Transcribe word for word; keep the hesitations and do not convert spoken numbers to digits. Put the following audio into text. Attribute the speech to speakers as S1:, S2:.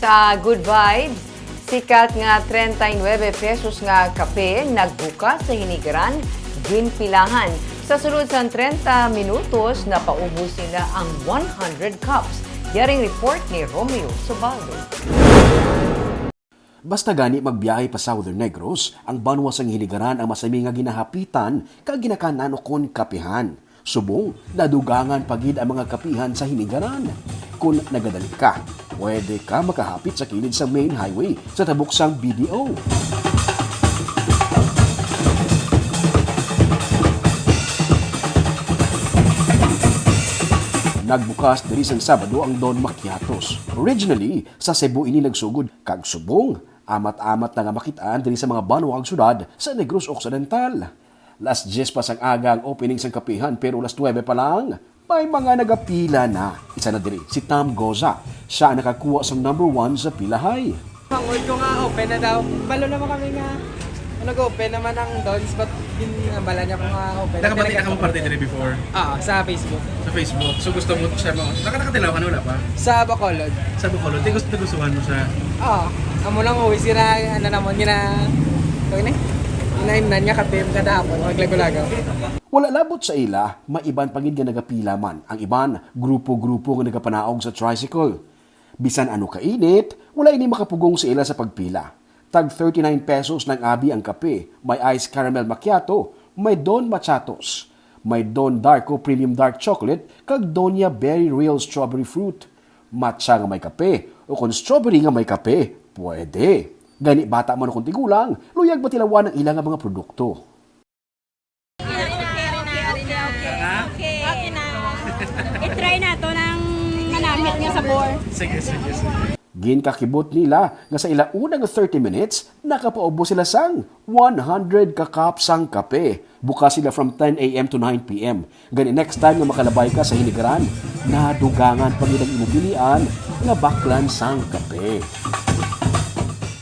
S1: Sa Good Vibes, sikat nga thirty-nine pesos nga kape nagbuka sa hinigaran, ginpilahan. Sa sulod sa thirty minutos, napaubos nila ang one hundred cups. Yaring report ni Romeo Subaldo.
S2: Basta gani magbiyahe pa Southern Negros, ang banwa sang hiligaran ang masami nga ginahapitan kag ginakanan kon kapihan. Subong, nadugangan pagid ang mga kapihan sa hinigaran. Kung nagadali ka, pwede ka makahapit sa kilid sa main highway sa tabok sang B D O. Nagbukas diri sang Sabado ang Don Macchiatos. Originally, sa Cebu ini nagsugod kag subong. Amat-amat na nga makitaan diri sa mga banwag syudad sa Negros Occidental. Last Jes pa sang aga ang opening sang kapihan pero last twelve pa lang. May mga nagapila na. Isa na diri, si Tom Goza. Siya ang nakakuha sang number one sa pilahay.
S3: Ang old ko nga open na daw. Balo naman kami nga. Nag-open naman ang Dons, but ginabala niya ko nga open.
S4: Nakapati na ka mo parte diri before
S3: Ah, sa Facebook.
S4: sa Facebook. So gusto mo siya mo. Nakakatilaw ka na wala pa?
S3: Sa Bacolod.
S4: Sa Bacolod, di gusto nagustuhan mo siya.
S3: Ah, amo lang uwi sira, ano naman, gina... Tawag na eh. Ginainan niya kape kada hapon, maglago-lagaw.
S2: Wala labot sa ila, maiban pagid nga nagapila man. Ang iban, grupo-grupo nga nagapanaog sa tricycle. Bisan ano kainit, wala ini makapugong sa ila sa pagpila. Tag thirty-nine pesos ng abi ang kape, may ice caramel macchiato, may Don Machatos, may Don Darko Premium Dark Chocolate, kag Donya Berry Real Strawberry Fruit. Matcha nga may kape, o kung strawberry nga may kape, pwede. Gani bata man kung tigulang, luyag ba tilawan ang ilang mga produkto.
S5: Okay, okay na. I-try na to ng manamit nga sabor.
S4: Sige, sige, sige.
S2: Ginkakibot nila nga sa ila unang thirty minutes, nakapaubos sila sang one hundred ka-cups sang kape. Bukas sila from ten a m to nine p m Gani next time nga makalabay ka sa hinigaran, nadugangan pag ilang imubilian nga baklan sang kape.